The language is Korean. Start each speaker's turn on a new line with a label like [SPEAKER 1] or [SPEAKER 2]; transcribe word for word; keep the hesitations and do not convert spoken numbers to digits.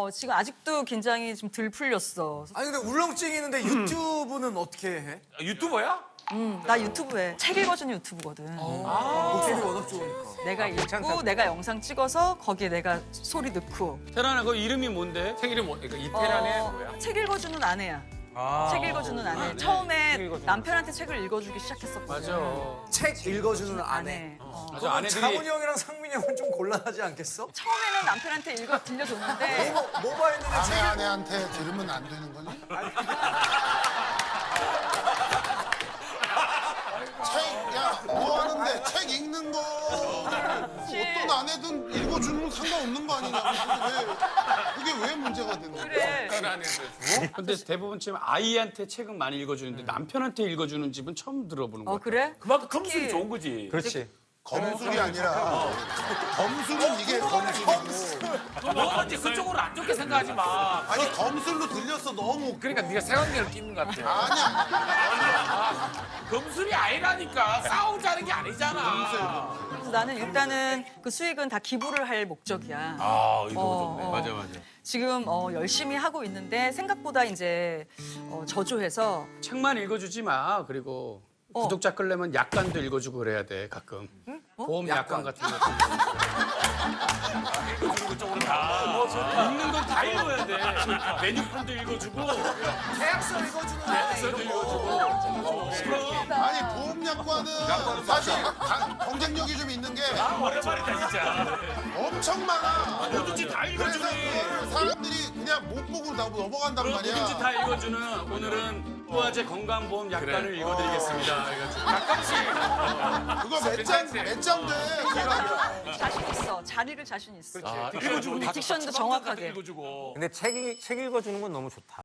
[SPEAKER 1] 어, 지금 아직도 긴장이 좀 덜 풀렸어.
[SPEAKER 2] 아니 근데 울렁증이 있는데 유튜브는 어떻게 해?
[SPEAKER 3] 유튜버야?
[SPEAKER 1] 음, 나 유튜브 해. 책 읽어주는 유튜브거든.
[SPEAKER 2] 목소리 워낙 좋으니까.
[SPEAKER 1] 내가 읽고 내가 영상 찍어서 거기에 내가 소리 넣고.
[SPEAKER 4] 테란아, 그 이름이 뭔데?
[SPEAKER 3] 책 이름 뭐? 그러니까 이태란의
[SPEAKER 1] 어,
[SPEAKER 3] 뭐야?
[SPEAKER 1] 책 읽어주는 아내야. 책 읽어주는 아내. 처음에 남편한테 책을 읽어주기 시작했었거든.
[SPEAKER 4] 맞아.
[SPEAKER 2] 책 읽어주는 아내.
[SPEAKER 1] 아내. 어.
[SPEAKER 4] 맞아,
[SPEAKER 2] 그럼
[SPEAKER 4] 아내들이
[SPEAKER 2] 장훈이 형이랑 상민이 형은 좀 곤란하지 않겠어?
[SPEAKER 1] 처음에는 남편한테 읽어 들려줬는데
[SPEAKER 2] 뭐, 뭐가 있는데
[SPEAKER 5] 아내
[SPEAKER 2] 책
[SPEAKER 5] 아내한테 들으면 안 되는 거니? 책, 야, 뭐 하는데 책 읽는 거 어떤 아내든 읽어주는 건 상관없는 거 아니냐? 그게 왜, 그게 왜 문제가 되는 거야?
[SPEAKER 1] 그래.
[SPEAKER 4] 근데 대부분 지금 아이한테 책은 많이 읽어주는데 남편한테 읽어주는 집은 처음 들어보는 거야.
[SPEAKER 1] 어 그래?
[SPEAKER 3] 그만큼 검술이
[SPEAKER 1] 특히-
[SPEAKER 3] 좋은 거지.
[SPEAKER 2] 그렇지.
[SPEAKER 5] 검술이 아니라 검술은 이게 검술이고
[SPEAKER 3] 너 이제 그쪽으로 안 좋게 생각하지 마.
[SPEAKER 5] 아니 검술로 들렸어 너무
[SPEAKER 3] 그러니까 네가 색안경을 끼는 것 같아.
[SPEAKER 5] 아니야
[SPEAKER 3] 검술이 아니라니까. 싸우자는 게 아니잖아.
[SPEAKER 1] 그래서 나는 일단은 그 수익은 다 기부를 할 목적이야.
[SPEAKER 3] 아, 의도가
[SPEAKER 1] 어,
[SPEAKER 3] 좋네.
[SPEAKER 1] 어.
[SPEAKER 4] 맞아, 맞아.
[SPEAKER 1] 지금 어, 열심히 하고 있는데 생각보다 이제 어, 저조해서
[SPEAKER 4] 책만 읽어주지 마. 그리고
[SPEAKER 1] 어.
[SPEAKER 4] 구독자 끌려면 약관도 읽어주고 그래야 돼, 가끔. 보험 약관, 같은 거.
[SPEAKER 3] 그쪽으로 다.
[SPEAKER 4] 읽는 건 다 읽어야 돼. 메뉴판도 읽어주고.
[SPEAKER 2] 계약서 읽어주는 아내.
[SPEAKER 3] 계약서도 읽어주고.
[SPEAKER 5] 아니 보험약관은 사실 가- 경쟁력이 좀 있는 게
[SPEAKER 3] 아, 오랜만이다, 진짜.
[SPEAKER 5] 엄청 많아
[SPEAKER 3] 뭐든지 다
[SPEAKER 5] 그래서
[SPEAKER 3] 읽어주니.
[SPEAKER 5] 그거를 사람들이 그냥 못 보고 나 넘어간단
[SPEAKER 4] 뭐든지
[SPEAKER 5] 말이야
[SPEAKER 4] 다 읽어주는 오늘은 부화제 건강보험 약관을
[SPEAKER 3] 그래.
[SPEAKER 4] 읽어드리겠습니다. 그래가지고.
[SPEAKER 3] 가끔씩.
[SPEAKER 5] 그거 몇장몇장돼
[SPEAKER 1] 자신 있어. 잘 읽을 자신 있어.
[SPEAKER 3] 아, 읽어주고 다
[SPEAKER 1] 딕션도
[SPEAKER 3] 다
[SPEAKER 1] 정확하게.
[SPEAKER 3] 읽어주고.
[SPEAKER 6] 근데 책, 읽- 책 읽어주는 건 너무 좋다.